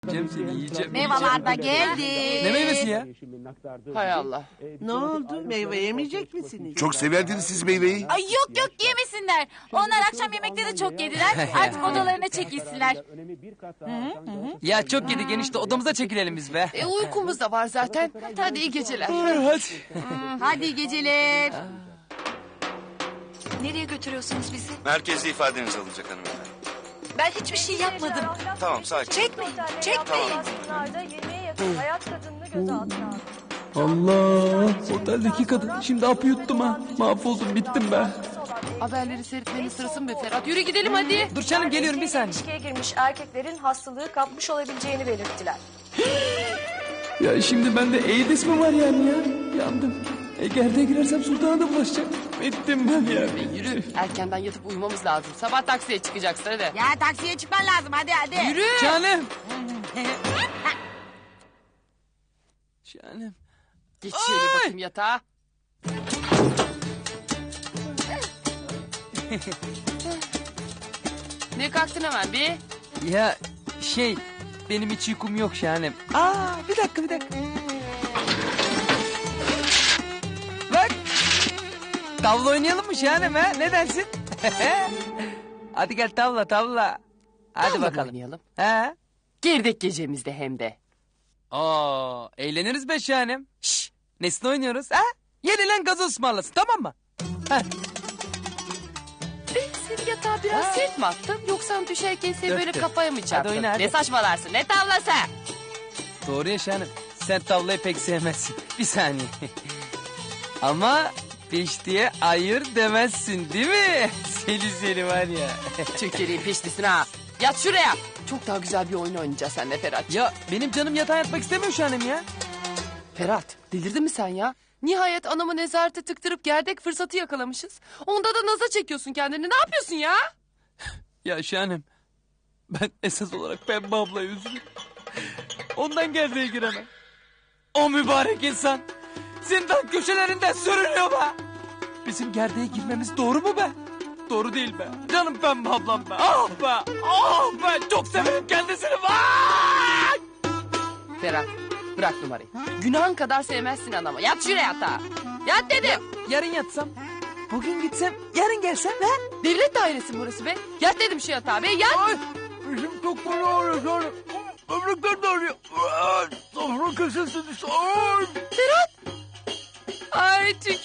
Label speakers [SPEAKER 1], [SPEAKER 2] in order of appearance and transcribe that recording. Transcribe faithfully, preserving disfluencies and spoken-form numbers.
[SPEAKER 1] Yiyeceğim seni yiyeceğim.
[SPEAKER 2] Meyveler de geldi.
[SPEAKER 1] Ne meyvesi ya?
[SPEAKER 3] Hay Allah.
[SPEAKER 4] Ne oldu? Meyve yemeyecek misiniz?
[SPEAKER 5] Çok severdiniz siz meyveyi.
[SPEAKER 2] Ay yok yok yemesinler. Onlar akşam yemekte de çok yediler. Artık odalarına çekilsinler.
[SPEAKER 1] Ya çok yedik enişte odamıza çekilelim biz be.
[SPEAKER 3] E uykumuz da var zaten. Hadi iyi geceler.
[SPEAKER 1] Hadi.
[SPEAKER 2] Hadi iyi geceler.
[SPEAKER 6] Nereye götürüyorsunuz bizi?
[SPEAKER 7] Merkezde ifadeniz alınacak hanımefendi.
[SPEAKER 6] Ben hiçbir şey yapmadım.
[SPEAKER 7] Tamam sakin.
[SPEAKER 6] Çekmeyin, çekmeyin.
[SPEAKER 8] yirmiye yakın hayat kadınını gözaltına aldı.
[SPEAKER 1] Allah oteldeki kadın şimdi apı yuttum ha. Mahvoldum bittim be.
[SPEAKER 3] Haberleri seyretmenin sırası mı be Ferhat? Yürü gidelim hadi.
[SPEAKER 1] Dur canım geliyorum bir saniye.
[SPEAKER 8] İlişkiye girmiş erkeklerin hastalığı kapmış olabileceğini belirttiler.
[SPEAKER 1] Ya şimdi bende AIDS mi var yani ya? Yandım. E gerde girersem sultana da bulaşacak. Bittim ben ya.
[SPEAKER 3] Yürü. Erkenden yatıp uyumamız lazım. Sabah taksiye çıkacaksın hadi.
[SPEAKER 2] Ya taksiye çıkman lazım hadi hadi.
[SPEAKER 3] Yürü.
[SPEAKER 1] Canım. Canım.
[SPEAKER 3] Geç şöyle
[SPEAKER 1] Ay!
[SPEAKER 3] bakayım yatağa. Ne kalktın hemen bir?
[SPEAKER 1] Ya şey benim hiç uykum yok Şahanem. Aa bir dakika bir dakika. Bak. Tavla oynayalım mı Şahanem ha? Ne dersin? Hadi gel tavla tavla. Hadi
[SPEAKER 3] Tavla
[SPEAKER 1] bakalım.
[SPEAKER 3] oynayalım.
[SPEAKER 1] He?
[SPEAKER 3] Girdek gecemizde hem de.
[SPEAKER 1] Aa eğleniriz be Şahanem. Şşş nesne oynuyoruz ha? Yenilen gazoz ısmarlasın tamam mı? Heh.
[SPEAKER 3] Ben seni yatağa biraz
[SPEAKER 1] Ha.
[SPEAKER 3] sert mi attım? Yoksa düşerken seni böyle
[SPEAKER 1] Dörttü.
[SPEAKER 3] kafaya mı çarptın?
[SPEAKER 1] oyna, hadi.
[SPEAKER 3] Ne saçmalarsın ne tavlası?
[SPEAKER 1] Doğru ya Şahanem. Sen tavlayı pek sevmezsin. Bir saniye. Ama peş diye ayır demezsin değil mi? Seni seni var ya.
[SPEAKER 3] Çökeriğin peşlisin ha. Yat şuraya. Çok daha güzel bir oyun oynayacağız seninle Ferhat.
[SPEAKER 1] Ya benim canım yatağa yatmak istemiyor Şahanem ya.
[SPEAKER 3] Ferhat delirdin mi sen ya? Nihayet anamı nezarete tıktırıp gerdek fırsatı yakalamışız. Onda da naza çekiyorsun kendini. Ne yapıyorsun ya?
[SPEAKER 1] Ya Şahanem. Ben esas olarak Pembe ablayı üzülüyorum. Ondan gerdeğe giremem. O mübarek insan zindan köşelerinden sürünüyor be. Bizim gerdeğe girmemiz doğru mu be? Doğru değil be. Canım Pembe ablam be. Ah be. Ah be. Çok severim kendisini. Vay!
[SPEAKER 3] Ferhat bırak numarayı. Günahın kadar sevmezsin anamı. Yat şuraya yatağa. Yat dedim.
[SPEAKER 1] Yarın yatsam. Bugün gitsem. Yarın gelsem. He?
[SPEAKER 3] Devlet dairesi burası be. Yat dedim şu yatağa be yat.
[SPEAKER 1] Ay. Bizim çok böyle ağrıyor Şahanem. Ömrükler de ağrıyor. Safra köşesi düştü. Ay.
[SPEAKER 3] Ay çünkü